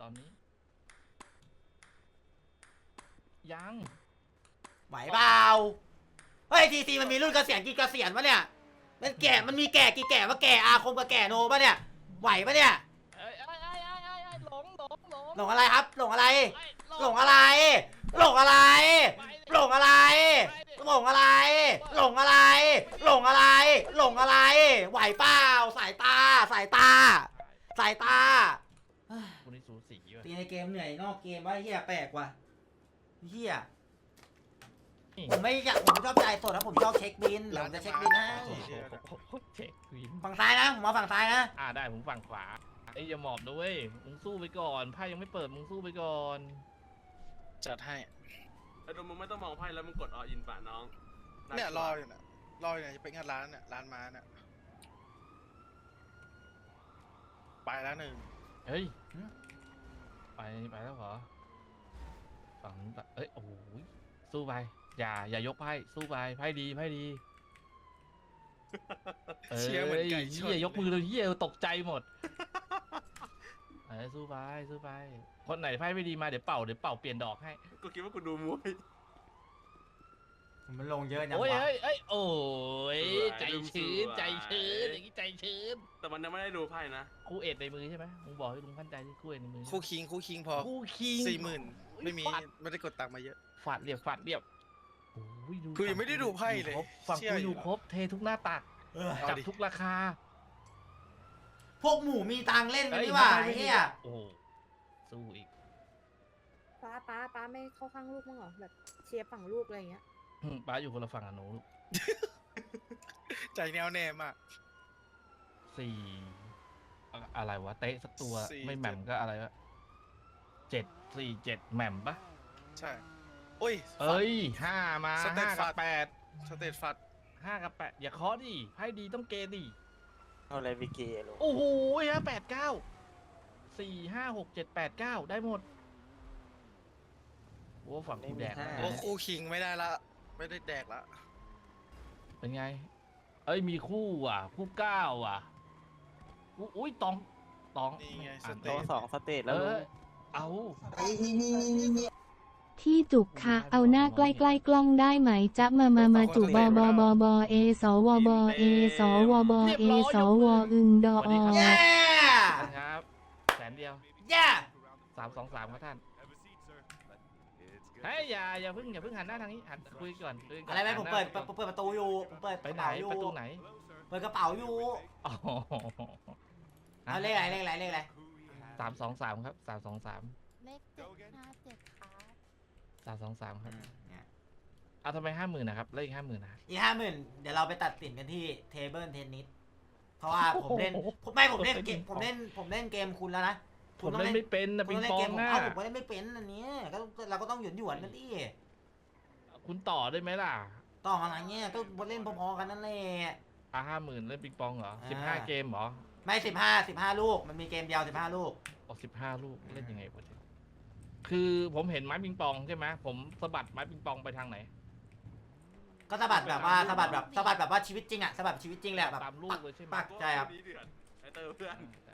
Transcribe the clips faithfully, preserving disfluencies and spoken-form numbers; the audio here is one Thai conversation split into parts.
อนนี้ยังไหวเปล่าเฮ้ยทีซีมันมีรุ่นเกษียณกี่เกษียณวะเนี่ยมันแก่มันมีแก่กี่แก่ว่าแก่อาคมกับแก่โนปะเนี่ยไหวปะเนี่ยเอ้ยเอ้ยเอ้ยเอ้ยเอ้ยเอ้ยหลงหลงหลงหลงอะไรครับหลงอะไรเอ้ยหลงอะไรหลงอะไรหลงอะไรหลงอะไรหลงอะไรหลงอะไรหลงอะไรไหวเปล่าสายตาสายตาสายตาคุณนี่สูสีว่ะตีในเกมเหนื่อยนอกเกมว่าเฮียแปลกว่ะเฮียผมไม่อยากผมชอบใจสดนะผมชอบเช็คบินผมจะเช็คบินให้โอ้โหเช็ควินฝั่งซ้ายนะผมมาฝั่งซ้ายนะอ่าได้ผมฝั่งขวาไอ้ยอย่าหมอบนะเว้ยมึงสู้ไปก่อนไพ่ยังไม่เปิดมึงสู้ไปก่อนจัดให้ไอ้ดูมึงไม่ต้องมองไพ่แล้วมึงกดออินป่ะน้องเนี่ยรออยู่เนี่ยรออยู่เนี่ยจะไปงานร้านเนี่ยร้านม้าเนี่ยไปแล้วหนึ่งเฮ้ยไปไปแล้วเหรอฝั่งนู้นปะเอ้ยโอ้โหสู้ไปอย่าอย่ายกไพ่สู้ไปไพ่ดีไพ่ดีเชียร์เหมือนไก่ชเฮียนยกมือเลยเฮียตกใจหมดเออสู้ไปสู้ไปคนไหนไพ่ไม่ดีมาเดี๋ยวเป่าเดี๋ยวเป่าเปลี่ยนดอกให้กูคิดว่ากูดูมวยมันลงเยอะจังโอ้ยวะเอ้ยเอ้ยโอ้ยสวยใจชื้นสวยใจชื้นอย่างนี้ใจชื้นแต่มันยังไม่ได้ดูไพ่นะคู่เอ็ดในมือใช่ไหมมึงบอกให้ลุงมั่นใจที่คู่เอ็ดในมือคู่คิงคู่คิงพอคู่คิงสี่หมื่นไม่มีฟาดไม่ได้กดตังค์มาเยอะฟาดเรียบฟาดเรียบโอ้ยดูคือยังไม่ได้ดูไพ่เลยครบฝั่งเชื่อกูออยู่ ยู่ครบเททุกหน้าตักเออเอาจับดิทุกราคาพวกหมูมีตังค์เล่นกันเอ้ยนี่หว่าไม่ไม่เฮียโอ้โหสู้อีกป้าป้าป้าไม่เข้าข้างลูกมั้างเหรอแบบเชียร์ฝั่งลูกอะไรอย่างเงี้ยอืมป้าอยู่คนละฝั่งกับหนูลูกใจแนวแน่มากสี่อะอะไรวะเตะสักตัวสี่ไม่แหม่มเจ็ดก็อะไรวะเจ็ดสี่เจ็ดแหม่มปะใช่โอ้ยเอ้ยห้ามาสเตตห้าฟักับดแปดสเตตฟัดห้ากับแปดอย่าเคาะดิไพ่ดีต้องเกดิเอาอะไรไปเกลงโอ้โหฮะแปดเก้าสี่ห้าหกเจ็ดแปดเก้าได้หมดโอ้ฝั่งกูแดกโอ้คู่คิงไม่ได้ละไม่ได้แดกละเป็นไง เอ้ยมีคู่ว่ะ คู่เก้าว่ะอุ๊ยอุ้ยตองตองนี่ไงสอ่านเตตัวตสองสเตจเอแล้วลุอง เอาที่จุกค่ะเอาหน้าใกล้ๆกล้องได้ไหมจ๊ะมามามาจุบอบอบอบอเอสวบเอสวบเอสวอึงดอเย้นะครับแสนเดียวเย้สามสองสามครับท่านเฮ้ยอย่าอย่าเพิ่งอย่าเพิ่งหันหน้าทางนี้หันคุยก่อนคุยก่นอะไรไหมผมเปิดหันหน้าเปิดประตูอยู่ผมเปิดไปกระไหนเป๋าอยู่ประตูไหนเปิดกระเป๋าอยู่อ๋อเอาเลขอะไรเลขอะไรเลขอะไรสามสองสามครับสามสองสามเลขเจ็ดห้าเจ็ดครับสามสองสามครับเนี่ยเอาทำไมห้าหมื่นนะครับเลขห้าหมื่นนะอีกห้าหมื่นเดี๋ยวเราไปตัดสินกันที่เทเบิลเทนนิสเพราะว่าผมเล่นผมไม่ผมเล่นเกมผมเล่นผมเล่นเกมคุณแล้วนะผคุมณต้องเล่นเล่นไม่เป็นนะคุปิณงต้องเล่ปนอเกงมผมนะเอาผมก็เล่นไม่เป็นอันนี้ก็เราก็ต้องหยวนหยวนๆกันดิคุณต่อได้ไหมล่ะต้องอะไรเงี้ยก็เล่นพอๆกันนั่นแหละอ่ะห้าหมื่นเล่นปิงปองเหรออ่าสิบห้าเกมเหรอไม่สิบห้าสิบห้าลูกมันมีเกมเดียวสิบห้าลูกออกสิบห้าลูกเล่นยังไงวะเนี่ยคือผมเห็นไม้ปิงปองใช่ไหมผมสะบัดไม้ปิงปองไปทางไหนก็สะบัดแบบว่าสะบัดแบบสะบัดแบบว่าชีวิตจริงอะสะบัดชีวิตจริงแหละแบบตามลูกเลยใช่ไหมปักใจครับนี้เดือดไอ้เตอร์เพื่อนได้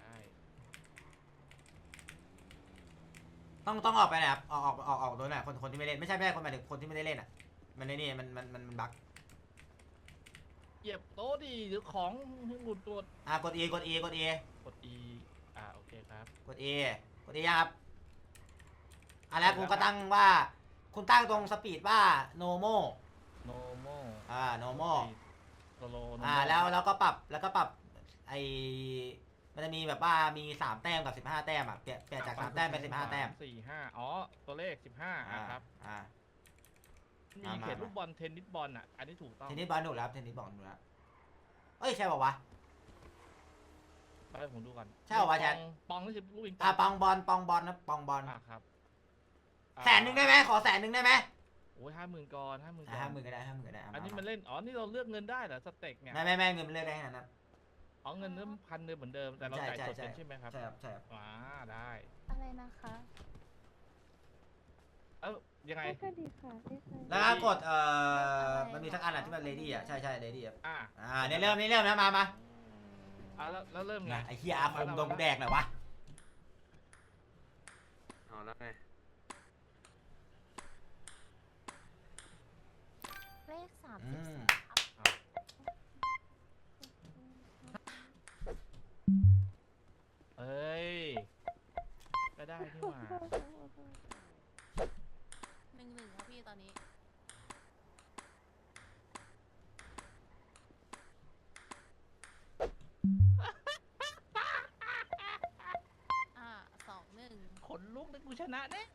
ต้องต้องออกไปนะครับออกออกออกออกโดยหน่อยคนคนที่ไม่เล่นไม่ใช่ไม่ใช่คนหมายถึงคนที่ไม่ได้เล่นอ่ะมันในนี่มันมันมันมันบั๊กเหยียบโต๊ะดิหรือของหลุดตัวอ่ะกด E กด E กด E กด E อ่าโอเคครับกด E กด E ยังครับอ่ะแล้วคุณก็ตั้งว่าคุณตั้งตรงสปีดว่า normal normal อ่า normal slow อ่าแล้วแล้วก็ปรับแล้วก็ปรับไอมันจะมีแบบว่ามีสามแต้มกับสิบห้าแต้มอ่ะเปลี่ยนเปลี่ยนจากสามแต้มเป็นสิบห้าแต้มสี่ห้าอ๋อตัวเลขสิบห้าอ่ะครับอ่ามีมามาเขตลูกบอลเทนนิสบอลอ่ะอันนี้ถูกต้องเทนนิสบอลหนุกแล้วเทนนิสบอลหนุกแล้วเอ้ยใช่ป่าวะไปผมดูก่อนใช่เหรอวะแจ๊คปองปองนี่คือลูกปิงปอ่าองปองบอลปองบอลนะปองบอลอ่ะครับอ่าแสนหนึ่งได้ไหมขอแสนหนึ่งได้ไหมโอ้ยห้าหมื่นก่อนห้าหมื่นก่อนห้าหมื่นก็ได้ห้าหมื่นก็ได้ะอันนี้ามันเล่นอ๋อนี่เราเลือกเงินได้เหรอสเต็กเนี่ยไม่ไม่ไม่เงินมันเลือกได้ขนาดนั้นอ๋อเงินเริ่มพันเดิมเหมือนเดิมแต่เราใช่จ่ายใช่สดใช่เป็นใช่ไหมครับใช่ครับใช่ครับอ่าได้อะไรนะคะเอ้ายังไงเลขก็ดีค่ะเลขก็ดีแล้วก็กดเอ่อมันมีสักอันอ่ะที่มันเลดี้อ่ะใช่ใช่เลดี้อ่ะอ่าอ่าเนี่ยเริ่มนี่เริ่มนะมามาอ่าแล้วแล้วเริ่มไงไอ้เฮียอาคมโดนกูแดกหน่อยวะแล้วไงเลขสามอืสิบมสามเอ้ย ก็ได้นี่หว่าหนึ่งหนึ่งครับพี่ตอนนี้ อ่าสองหนึ่งขนลุกเลยกูชนะแน่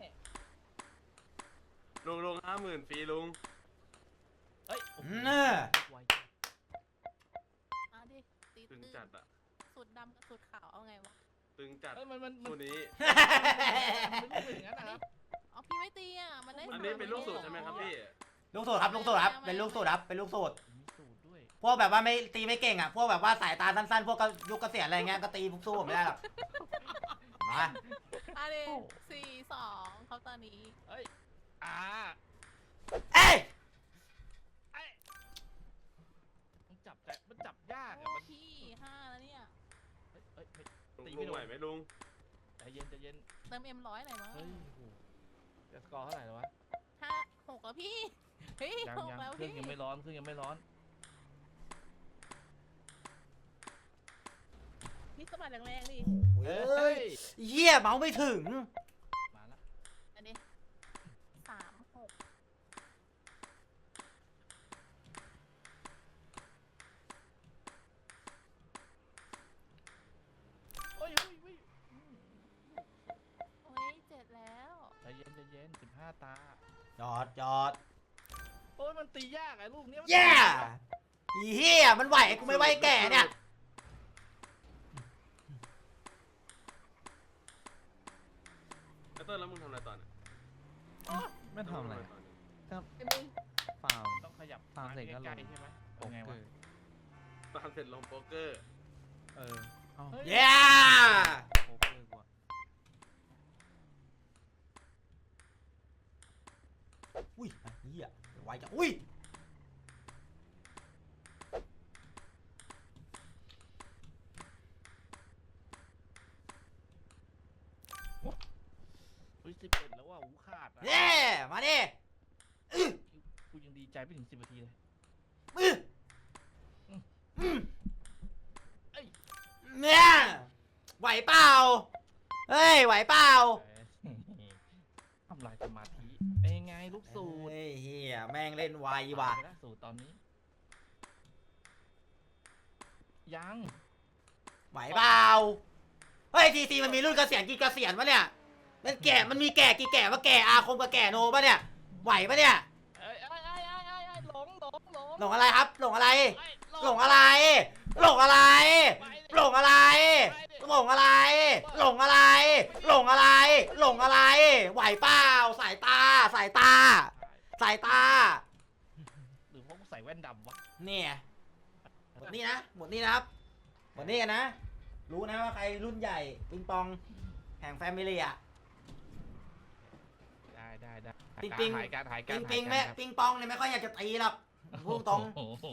ลุงลุงห้าหมื่นฟรีลุงเอ้ยโอ้โหเน่ะไวอ่ะดิตีตึงตื้นจัดอะสูตรดำกับสูตรขาวเอาไงวะตึงจัดเอ้ยมันมันมันคู่นี้มันไม่เป็นอย่างนั้นนะครับเอาพี่ไม่ตีอ่ะ มันได้อันนี้เป็นลูกสูตรใช่ไหมครับพี่ลูกสูตรครับลูกสูตรครับเป็นลูกสูตรครับเป็นลูกสูตรมีสูตรด้วยพวกแบบว่าไม่ตีไม่เก่งอ่ะพวกแบบว่าสายตาสั้นๆพวกก็ยุคเกษียณอะไรเงี้ยก็ตีพวกสู้ผมไม่ได้หรอกมาอ่ะดิสี่สองเขาตอนนี้เอ้ย อ่าเอ้ยไอ้มันจับแต่มันจับยากโอ้อะมันพี่ห้าแล้วเนี่ยเอ้ยเอ้ยไม่ลุงตีลุไม่งโดนไหวไหมลุงใจเย็นใจเย็นเติมเอ็มร้อยหน่อยมั้งเฮ้ยโอ้โหจะสกอร์เท่าไหร่แล้ววะห้าหกแล้วพี่ เฮ้ยยังหกยังแล้วเครื่องพี่ยังไม่ร้อนเครื่องยังไม่ร้อนพี่สะบัดแรงๆดิเฮ้ยเหี้ยเมาส์ไม่ถึงมาละอันนี้สามหกโอ้ยเฮ้ยเฮ้ยอืมโอ้ยเจ็ดแล้วใจเย็นใจเย็นสิบห้าตาจอดจอดโอ้ยมันตียากไอ้ลูกเนี้ยมันแย่อีเหี้ยมันไหวกูไม่ไหวแก่เนี่ยไอเตอร์แล้วมึงทำอะไรตอนน่ะไม่ทำอะไรตอนนี้ไอ้มึงฟาร์มต้องขยับตามเสร็จก็ลงใกล้ๆใช่ไหมโป๊เป็นกไงเกวะอร์ตามเสร็จลงโป๊กเกอร์เออเอ้าเฮ้ยแย่โป๊กเกอร์กว่าอุ้ยไอ้เหี้ยไหวจังอุ้ยอุ้ยสิบเอ็ดแล้วว่ะหูขาดอะแย่มาดิกูยังดีใจไม่ถึงสิบนาทีเลยอื้ออืมอืมเอ้ยเนี่ยไหวเปล่าเฮ้ยไหวเปล่าทำลายสมาธิเป็นยังไงลูกสูตรเฮ้ยเฮียแม่งเล่นไวว่ะไปแล้วสูตรตอนนี้ ยังไหวเปล่าเฮ้ยทีซีมันมีรุ่นเกษียณกี่เกษียณวะเนี่ยมันแก่มันมีแก่กี่แก่ว่าแก่อาคมกับแก่โนปะเนี่ยไหวปะเนี่ยเอ้ยเอ้ยเอ้ยเอ้ยเอ้ยเอ้ยหลงหลงหลงหลงอะไรครับ หลงอะไรเอ้ยหลงอะไร หลงอะไรไปดิหลงอะไร หลงอะไร หลงอะไร หลงอะไร หลงอะไร ไหวเปล่าสายตา สายตา สายตาหรือเพราะกูใส่แว่นดำวะเนี่ยหมดนี่นะ หมดนี่นะครับ หมดนี่กันนะ รู้นะว่าใครรุ่นใหญ่ปิงปองแห่งแฟมิลี่อะได้ได้ได้ปิงปิงหายการหายกาปิรงปิงหายแม่การครับปิงปองเนี่ยไม่ค่อยอยากจะตีหรอกพูดตรงโอ้โห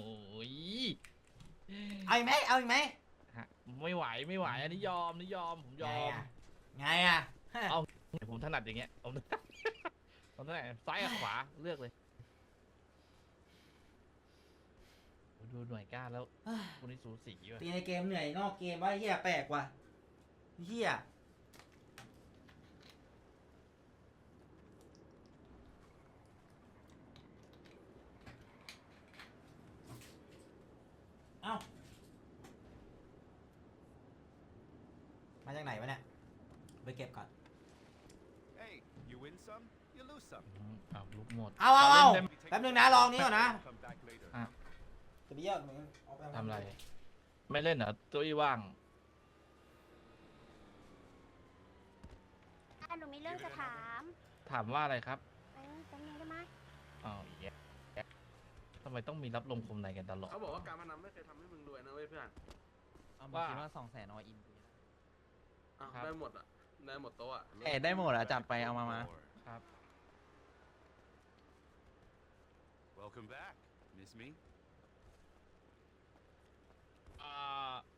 เอาอีกไหมเอาอีกไหมฮะไม่ไหวไม่ไหวอันนี้ยอมนี่ยอมผมยไงอมอะไงอะเอา ผมถนัดอย่างเงี้ยผม ผมถนัดซ้ายกับขวาเลือกเลยโอ้ดูหน่วยก้านแล้วคนนี้สูสีว่ะตีในเกมเหนื่อยนอกเกมว่าเฮียแปลกว่ะเฮียเอ้ามาจากไหนวะเนี่ยไปเก็บก่อน Hey, you win some, you lose some. อืมอ้าวลุกหมดเอาเอาเอาล่นได้ไหมแป๊บนึงนะลองนี้ก่อนนะ Come back later. อ่ะจะไปเยี่ยมเอาปทำอะไร ไม่เล่นเหรอตัวอีว่างอ่ะหนูมีเรื่องจะถามถามว่าอะไรครับเออแป๊บนึงได้ไหมอ้าวแย่ทำไมต้องมีรับลมคมในกันตลอดเขาบอกว่าการพนันไม่เคยทำให้มึงรวยนะเว้ยเพื่อนเอามาคิดว่าสองแสนออินอ้าวครับได้หมดอ่ะ ได้หมดโต๊ะอ่ะเอ้ได้หมดอะจัดไปเอามามาครับ Welcome back. Miss me? อ่า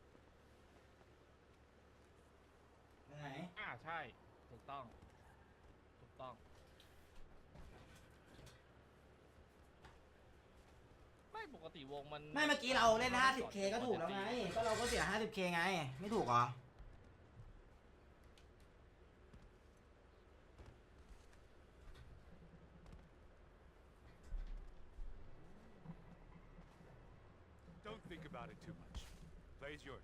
ไหนอ่าใช่ ถูกต้องต้องไม่ปกติวงมันไม่เมื่อกี้เราเล่น ห้าสิบเค ก็ถูกแล้วไง ก็เราก็เสีย ห้าสิบเค ไง ไม่ถูกเหรอ Don't think about it too much. Play's yours.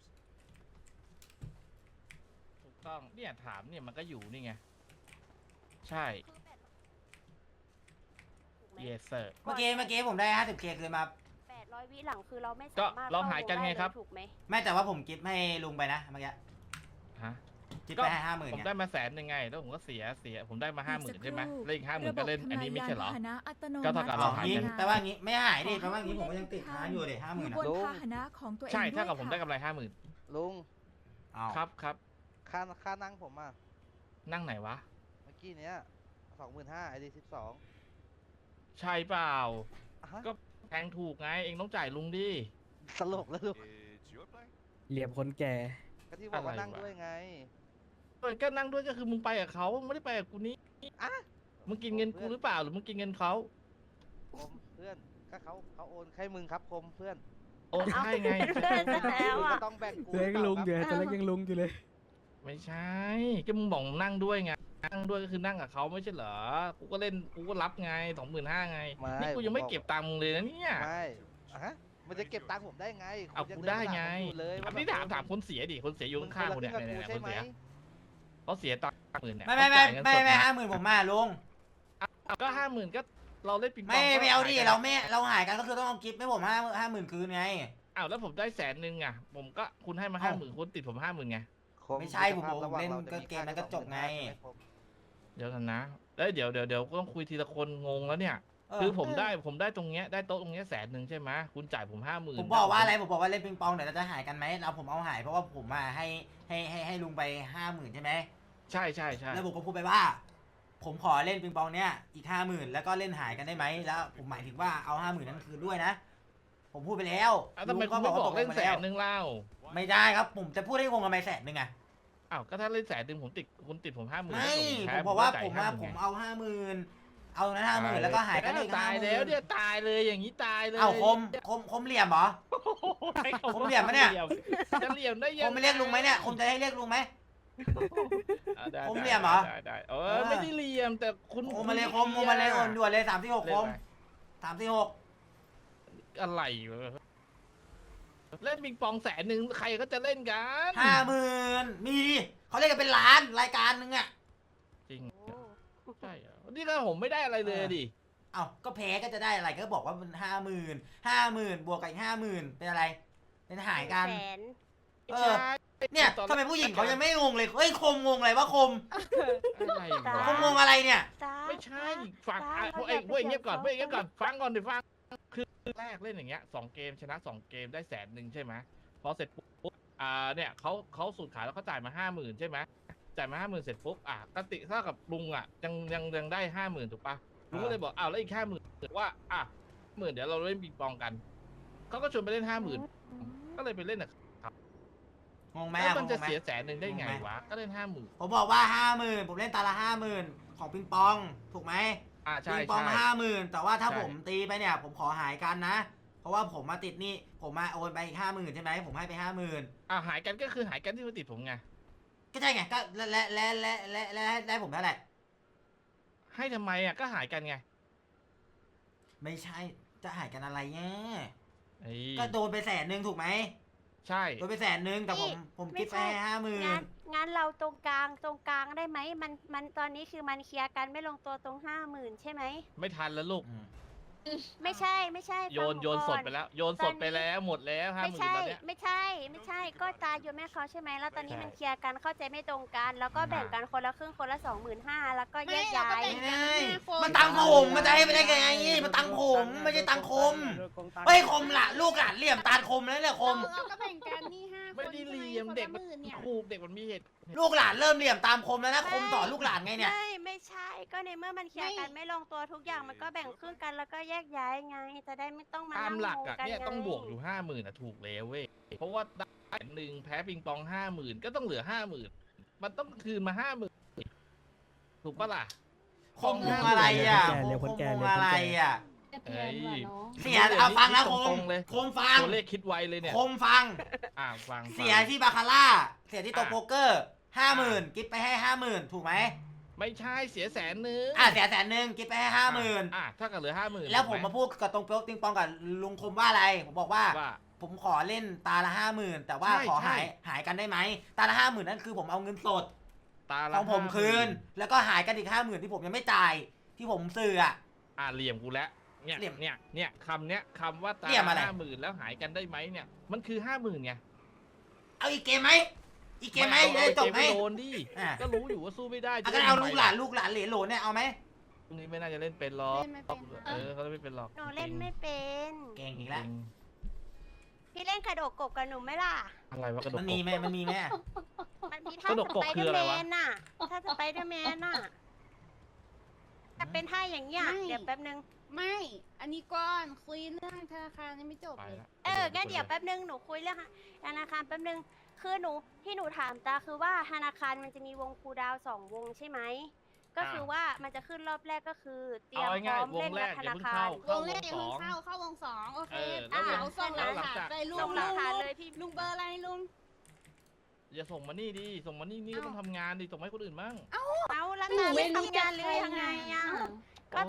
ถูกต้องเนี่ยถามเนี่ยมันก็อยู่นี่ไงใช่ถูกไหม yes sir เมื่อกี้เมื่อกี้ผมได้ ห้าสิบเค คืนมาแปดร้อยวิหลังคือเราไม่ก็สามารถเราหายกันไงครับเข้าวงด้เลยถูกไหมไม่แต่ว่าผมกิฟต์ให้ลุงไปนะเมื่อกี้ฮะกิฟต์ไปให้ห้าหมื่นผมเนี่ยได้มาแสนหนึ่งไงแล้วผมก็เสียเสียผมได้มาห้าหมื่นอีกสักใช่ไหมครู่แล้วอีกห้าหมื่นก็เล่นอันนี้ไม่ใช่เหรอระบบทำลายยานพาหนะอัตโนก็เท่ากับอ๋เราอหายงี้กันแปลว่างี้ไม่หายดิแปลว่างี้ผมก็ยังติดค้างอยู่เลยห้าหมื่นอยู่อ่ะบนลุงพาหนะของตัวเองใช่ด้วยถ้ากับผมค่ะได้กำไรห้าหมื่นลุงอ้าวครับครับค่าค่านั่งผมอ่ะนั่งไหนวะเมื่อกี้เนี้ยสองหมื่นห้าไอดีสิบสองใช่เปล่าก็ก็แพงถูกไงเองต้องจ่ายลุงดิสลบแล้วลุง It's your play. เหลี่ยมคนแก่ก็ที่บอกว่าอะไรนั่งวะด้วยไงเออก็นั่งด้วยก็คือมึงไปกับเขามึงไม่ได้ไปกับกูนี่อ่ะมึงกินเงินกูหรือเปล่าหรือมึงกินเงินเขาคมเพื่อนก็เขาเขาโอนให้มึงครับคมเพื่อนโอนให้ไงเพื่อนซะแล้วมึงอ่ะก็ต้องแบ่งกูเล็กลุงอยู่หรือตอนเปแรล่ากยังลุงอยู่เลยไม่ใช่ก็มึงบอกมึงนั่งด้วยไงนั่งด้วยก็คือนั่งกับเขาไม่ใช่เหรอกูก็เล่นกูก็รับไงสองหมื่นห้าไงไม่นี่กูยังไม่เก็บตังค์มึงเลยนะเนี่ยไม่อ่ะฮะมันจะเก็บตังค์ผมได้ไงเอาคุณกูยังได้เนไงมาถามผมอยู่เลยอัว่านนี้แบบถามถามคนเสียดิคนเสียอยู่มึงข้างๆกูคเนี่ยละเนี่ยครึ่เนี่ยงคกับนเสียกูใช่ไหมเขาเสียตังค์หมื่นเนี่ยไม่ไม่ไม่เขาจ่ายเงินไม่สดไม่นะห้าหมื่นผมมาลุงเอาก็ห้าหมื่นก็เราเล่นปิงปองไม่ก็ไม่เอาดิหยกันเราไม่เราหายกันก็คือต้องเอากิฟต์ให้ผมห้าห้าหมื่นคืนไงอ้าวแล้วผมได้แสนหนึ่งอ่ะผมก็คุณให้มาห้าหมื่นคุณติดผมห้าหมื่นไงคมไม่ใช่ผมบอกระหว่างเล่นราจะก็มีเกมมันก็จบไงค่าที่สองหมื่นห้าใช่หมคมเดี๋ยวกันนะเอ้ยเดี๋ยวเดี๋ยวเดี๋ยวก็ต้องคุยทีละคนงงแล้วเนี่ยเออคือผมได้ผมได้ตรงเนี้ยได้โต๊ะตรงเนี้ยแสนหนึ่งใช่ไหมคุณจ่ายผมห้าหมื่นผมบอกว่าอะไรผมบอกว่าเล่นปิงปองเดี๋ยวเราจะหายกันไหมเราผมเอาหายเพราะว่าผมมาให้ให้ให้ให้ลุงไปห้าหมื่นใช่ไหมใช่ใช่ใช่แล้วผมก็พูดไปว่า ผมขอเล่นปิงปองเนี้ยอีกห้าหมื่นแล้วก็เล่นหายกันได้ไหมแล้วผมหมายถึงว่าเอาห้าหมื่นนั้นคืนด้วยนะ ผมพูดไปแล้วอ้าวทำไมลุงคุณไม่บอกว่าเล่นตกแสไปนหนึ่งเล่าไม่ได้ครับ ผมจะพูดให้งงทำไมแสนหนึ่งอะอ้าวก็ถ้าเล่นแสนหนึ่งผมติดคุณติดผมห้าหมื่นไม่แพ้ผมบอกว่าจ่ยผมมา 50,000 ผมไงเอาห้าหมื่นเอานั้นห้าหมื่นแล้วก็หายกันอีกห้าตายหมื่แล้วนเนี่ยตายเลยอย่างนี้ตายเลยเอาคมคมคมเหลี่ยมเหรอให้ขาผมเหลี่ยมปะเนี่ยจะเหลี่ยมได้ยังคมไม่เรียกลุงไหมเนี่ยคมจะให้เรียกลุงไหมอ่ะได้ผมได้เหลี่ยมเหรอได้ได้เอเอออไม่ได้เหลี่ยมแต่คุณคมมาเลยคมคมมาเลยโอนด่วนเลยสามที่หกเล่คน มไปสามที่หกอะไรวะเล่นปิงปองแสนหนึ่งใครก็จะเล่นกันห้าหมื่นมีเขาเรียกกันเป็นล้านรายการนึงอะจริงโอ้ใช่เหรอนี่ก็ผมไม่ได้อะไรเลยดิเอ้าก็แพ้ก็จะได้อะไรก็บอกว่ามันห้าหมื่นห้าหมื่นบวกกับอีกห้าหมื่นเป็นอะไร เป็นหายกันแสนเออ เนี่ยทำไมผู้หญิงเขายังไม่งงเลยเฮ้ยคมงงอะไรวะคมอะไรวะคมงงอะไรเนี่ยจ้าไม่ใช่ฟังจ้าอ่ะพเขาวกเองอยากพวกเองไปเงียบก่อนพวกเองเงียบก่อนเขียนฟังก่อนดิฟังคือแรกเล่นอย่างเงี้ยสองเกมชนะสองเกมได้แสนหนึ่งใช่ไหมพอเสร็จปุ๊บอ่าเนี่ยเขาเขาสูตรขายแล้วเขาจ่ายมาห้าหมื่นใช่ไหมจ่ายมาห้าหมื่นเสร็จปุ๊บอ่ะกติเท่ากับลุงอ่ะยังยังยังได้ห้าหมื่นถูกปะลุงก็เลยบอกอ้าวแล้วอีกห้าหมื่นว่าอ่ะหมื่นเดี๋ยวเราเล่นปิงปองกันเขาก็ชวนไปเล่นห้าหมื่นก็เลยไปเล่นอ่ะงงไหมแล้วอะมันงจะงไหมเสียแสนหนึ่งได้ไงงงไหมวะก็เล่นห้าหมื่นผมบอกว่าห้าหมื่นผมเล่นตาละห้าหมื่นของปิงปองถูกไหมอ่าใช่ปิงปองใช่ห้าหมื่นแต่ว่าถ้าใช่ผมตีไปเนี่ย ผมขอหายกันนะ เพราะว่าผมมาติดหนี่ผมมาโอนไปอีกห้าหมื่นใช่ไหมผมให้ไปห้าหมื่นอ่าหายกันก็คือหายกันที่มาติดผมไงก็ใช่ไงก็และและและและและและได้ผมเท่าไหร่ให้ทำไมอ่ะก็หายกันไงไม่ใช่จะหายกันอะไรเนี่ยเอ้ยก็โดนไปแสนหนึ่งถูกไหมใช่โดนไปแสนหนึ่งแต่ผมผมคิดไปห้าหมื่นงั้นงั้นเราตรงกลางตรงกลางได้ไหมมันมันตอนนี้คือมันเคลียร์กันไม่ลงตัวตรงห้าหมื่นใช่ไหมไม่ทันแล้วลูกไม่ใช่ไม่ใช่โยนฟังโยนก่อสดไปแล้ว โยนสดตอนนี้ไปแล้วหมดแล้วห้าไม่หมื่นใช่ตอนเนี้ยไม่ใช่ไม่ใช่ก็ตาโยนแม่เขาใช่ไหมแล้วตอนนี้ใช่มันเคลียร์กันเข้าใจไม่ตรงกัน แล้วก็แบ่งกันคนละครึ่งคนละสองหมื่นห้าแล้วก็แยกย้ายไม่ได้มันตังผมมันจะให้ไปได้ไงมันตังผมไม่ใช่ตังคมเฮ้ยคมละลูกหลานเหลี่ยมตาคมแล้วเนี่ยคมเราก็แบ่งกันนี่ห้าไม่ได้เหลี่ยมเด็กมันถูกเด็กมันมีเหตุลูกหลานเริ่มเหลี่ยมตามคมแล้วนะคมต่อลูกหลานไงเนี่ยไม่ไม่ใช่ ก็ในเมื่อมันเคลียร์กันไม่ลงตัวทุกอย่างมันก็แบ่งครึ่งกันแล้วก็แยกย้ายไง จะได้ไม่ต้องมาตามนั่งหลักงงอ่ะกันเนี่ยไงต้องบวกอยู่ห้าหมื่นอ่ะถูกแล้วเว้ยเพราะว่าได้แสนหนึ่งแพ้ปิงปองห้าหมื่นก็ต้องเหลือห้าหมื่นมันต้องคืนมาห้าหมื่นถูกปะล่ะคมงอะไรอ่ะคมงอะไรอ่ะเอ้ยเสียเอาฟังนะคตมรงๆเลยคมฟังตัวเลขคิดไวเลยเนี่ยคมฟังอ่าฟังเสียที่บาคาร่า เสียที่โตโป๊กเกอร์ห้าหมื่นกิฟไปให้ห้าหมื่นถูกไหมไม่ใช่เสียแสนนึงอ่ะเสียแสนหนึ่งกิฟไปให้ห้าหมื่นอ่ะถ้ากับเหลือห้าหมื่นแล้วผมมาพูดกับตรงโป๊กติงปองกับลุงคมว่าอะไร ผมบอกว่าว่าผมขอเล่นตาละห้าหมื่นแต่ว่าใช่ขอใช่หายหายกันได้ไหมตาละห้าหมื่นนั่นคือผมเอาเงินสดตาขละองผมห้าคืนหมื่แล้วก็หายกันอีกห้าหมื่นที่ผมยังไม่จ่ายที่ผมซื้ออ่ะอ่ะเหลี่ยมกูแล้วเนี่ยเหลี่ยมเนี่ยเนี่ยคำเนี้ยคำว่าตาเหลี่ยมอะไรห้าหมื่นแล้วหายกันได้ไหมเนี่ย มันคือห้าหมื่นไงเอาอีกเกมไหมอีกเกมไหมอาได้จบไหมเกโดนดิอ่ะก็รู้อยู่ว่าสู้ไม่ได้อ่ะจะก็ล่เอาทำไมลูกหลานลูกหลานเหลนโหลเนี่ยเอาไหมพรุ่งนี้ไม่น่าจะเล่นเป็นหรอกเล่นไม่เป็นค่ะเออเขาไม่เป็นหรอกหนูเล่นไม่เป็นเก่งอีกจแล้วริงพี่เล่นกระโดดกบกับหนูไหมล่ะอะไรวะกระดกมันกมีบไหมมันมีไหมมันมีท่ากระโดดสกบไปคืเดอออะไรร์แมวะนน่ะ ถ้าสไปเดอร์แมนน่ะจะเป็นท่าอย่างเงี้ยไม่เดี๋ยวแป๊บนึงไม่ อันนี้ก่อนคุยเรื่องธนาคารยังไม่จบไปเลยละเอองั้นเดี๋ยวแป๊บนึง หนูคุยเรื่องธนาคารแป๊บนึง คือหนูที่หนูถามตาคือว่าธนาคารมันจะมีวงคูลดาวน์สองวงใช่ไหม ก็คือว่ามันจะขึ้นรอบแรกก็คือเตรียเอามพง่าร้ยอมๆวเล่งนแรกับกธอย่านาเพิ่งคารเข้าว เข้าง วแรกงอย่าสเพิ่อง งเข้าเข้าวงสองโอเคเอออ่ะแล้วเอาส่งแล้วรหลังหัสจากไปลุงส่งหลัลุกงฐานลุงเลยพี่ลุงเบอร์อะไรลุงอย่าส่งมานี่ดิส่งมานี่นี่ก็ต้องทำงานดิส่งมาให้คนอื่นบ้างเอาแล้วหนูตาไม่ไม่รู้ทำงานเลยจะยังไงใครอ่ะอ่ะ